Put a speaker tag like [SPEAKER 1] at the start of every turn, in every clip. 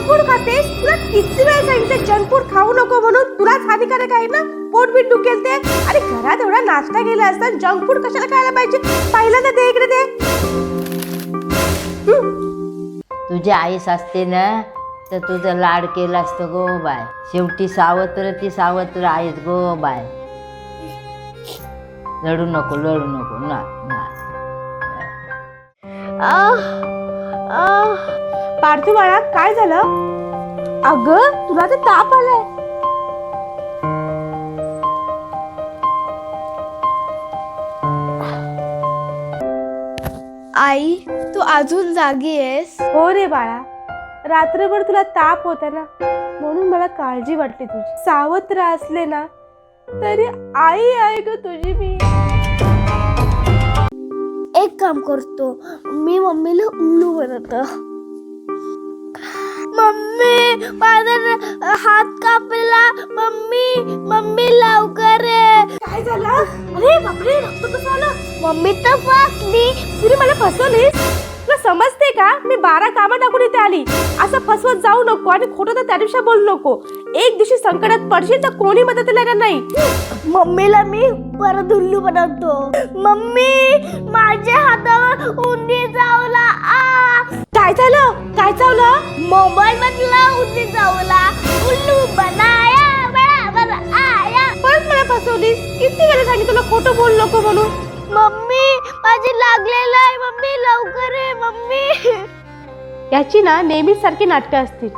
[SPEAKER 1] Food खातेस? तुला किती वेळा सांगितलं जंक फूड खाऊ नको म्हणून? तुलाच हानिकारक आहे ना, पोट बीट दुखेल ते. अरे घरात एवढा नाश्ता केला असता, जंक फूड कशाला खायला पाहिजे? पहिल्यांदा दे इकडे दे.
[SPEAKER 2] तुझी आईस असते ना तर तुझं लाड केलं असतं गो बाय. शेवटी सावत्र ती सावत्र आईस गो बाय. लढू नको ना ना.
[SPEAKER 1] पार्थू बाळा, काय झालं? अगं तुला तर ताप आलाय.
[SPEAKER 3] आई, तू अजून जागी आहेस?
[SPEAKER 1] हो रे बाळा, रात्रभर तुला ताप होता ना, म्हणून मला काळजी वाटली तुझी. सावत्र असले ना तरी आई आहे ग तुझी मी.
[SPEAKER 3] एक काम करतो, मी मम्मीला उल्लू बनवतो. मम्मी, माझा हात कापला. मम्मी लवकर ये.
[SPEAKER 1] काय झालं? अरे बापरे, रक्त कसं आलं?
[SPEAKER 3] मम्मी तर फसली.
[SPEAKER 1] तुला मला फसवलीस? तुला समजते का? मी 12 कामं टाकून इथे आली. असं फसवत जाऊ नको आणि खोटं तर त्या दिवशी बोलू नको. एक दिवशी संकटात पडशील तर कोणी मदतीला येणार नाही.
[SPEAKER 3] मम्मीला मी परत उल्लू बनवतो. मम्मी, माझ्या हातावर उंदी चावला.
[SPEAKER 1] काय झालं? काय चावलं?
[SPEAKER 3] मोबाईल मधला उंदी चावला. उल्लू बनाया बराबर आया.
[SPEAKER 1] परत मला फसवलीस. किती वेळा सांगितलं तुला खोटं बोलू नको म्हणून.
[SPEAKER 3] मम्मी, माझी लागलेलं आहे. मम्मी लवकर ये. मम्मी,
[SPEAKER 1] याची ना नेहमीच सारखी नाटकं असतील.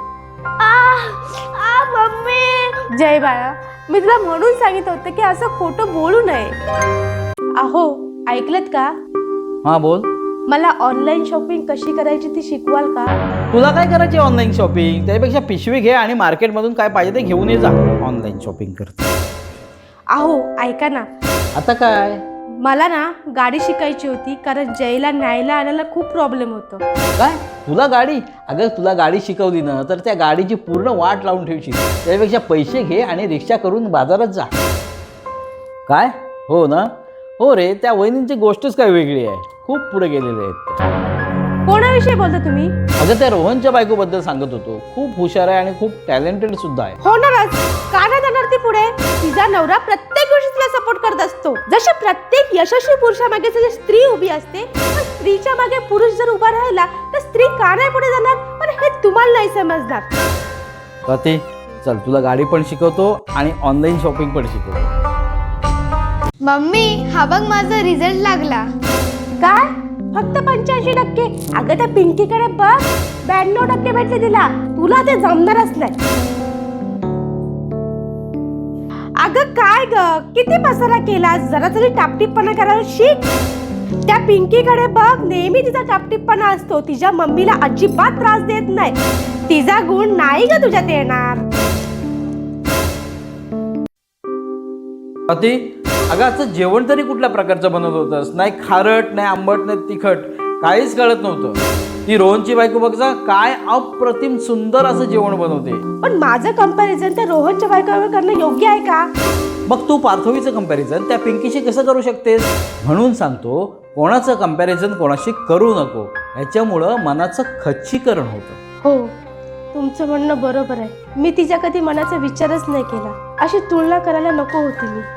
[SPEAKER 3] मम्मी.
[SPEAKER 1] जय बाळा, मी तुला म्हणून सांगितलं होतं की असं खोटं बोलू नये. अहो, ऐकलत का?
[SPEAKER 4] हा बोल.
[SPEAKER 1] मला ऑनलाईन शॉपिंग कशी करायची ती शिकवाल का?
[SPEAKER 4] तुला काय करायची ऑनलाईन शॉपिंग? त्यापेक्षा पिशवी घे आणि मार्केटमधून काय पाहिजे ते घेऊन ये जा. ऑनलाईन शॉपिंग करते.
[SPEAKER 1] अहो ऐका ना,
[SPEAKER 4] आता काय?
[SPEAKER 1] मला ना गाडी शिकायची होती, कारण जयला न्यायला आणायला खूप प्रॉब्लेम होतो.
[SPEAKER 4] काय तुला गाडी? अगं तुला गाडी शिकवली ना तर त्या गाडीची पूर्ण वाट लावून ठेवशील. त्यापेक्षा पैसे घे आणि रिक्षा करून बाजारात जा. काय? हो ना. हो रे, त्या वहिनींची गोष्टच काय वेगळी आहे. खूप पुढे गेलेले आहेत ते.
[SPEAKER 1] कोणाविषयी बोलता तुम्ही?
[SPEAKER 4] अगं त्या रोहनच्या बायकोबद्दल सांगत होतो. खूप हुशार आहे आणि खूप टॅलेंटेड सुद्धा आहे.
[SPEAKER 1] होणारच. का नाही जाणार ती पुढे? तिचा नवरा प्रत्येक गोष्टीत तिला सपोर्ट करत असतो. जशी प्रत्येक यशस्वी पुरुषामागे जशी स्त्री उभी असते, पण स्त्रीच्या मागे पुरुष जर उभा राहिला तर स्त्री का नाही पुढे जाणार? पण हे तुम्हाला नाही समजणार.
[SPEAKER 4] स्वाती, चल तुला गाडी पण शिकवतो आणि ऑनलाईन शॉपिंग पण शिकवतो.
[SPEAKER 3] मम्मी, हा बघ माझा रिझल्ट लागला.
[SPEAKER 1] काय? फक्त 85%? अगं त्या पिंकीकडे बघ, 92% भेटले तिला. तुला ते जमणारच नाही. अगं काय ग, किती पसारा केला. जरा तरी टापटीपणा करायला शिक. त्या पिंकीकडे बघ, नेहमी तिचा टापटीपणा असतो. तिच्या मम्मीला अजिबात त्रास देत नाही. तिचा गुण नाही ग तुझ्यात येणार.
[SPEAKER 4] स्वाती, अगं आजचं जेवण तरी कुठल्या प्रकारचं बनवत होतंस? नाही खारट, नाही आंबट, नाही तिखट, काहीच कळत नव्हतं. ती रोहनची बायको बघ जा, काय अप्रतिम सुंदर असं जेवण बनवते.
[SPEAKER 1] पण माझं कंपॅरिझन त्या रोहनच्या बायकोवर करणं योग्य आहे का?
[SPEAKER 4] मग तू पार्थवीचं कंपॅरिझन त्या पिंकीशी कसं करू शकतेस? म्हणून सांगतो, कोणाचं कंपॅरिझन कोणाशी करू नको. ह्याच्यामुळं मनाचं खच्चीकरण होतं.
[SPEAKER 1] हो, तुमचं म्हणणं बरोबर आहे. मी तिच्या कधी मनाचा विचारच नाही केला. अशी तुलना करायला नको होती मी.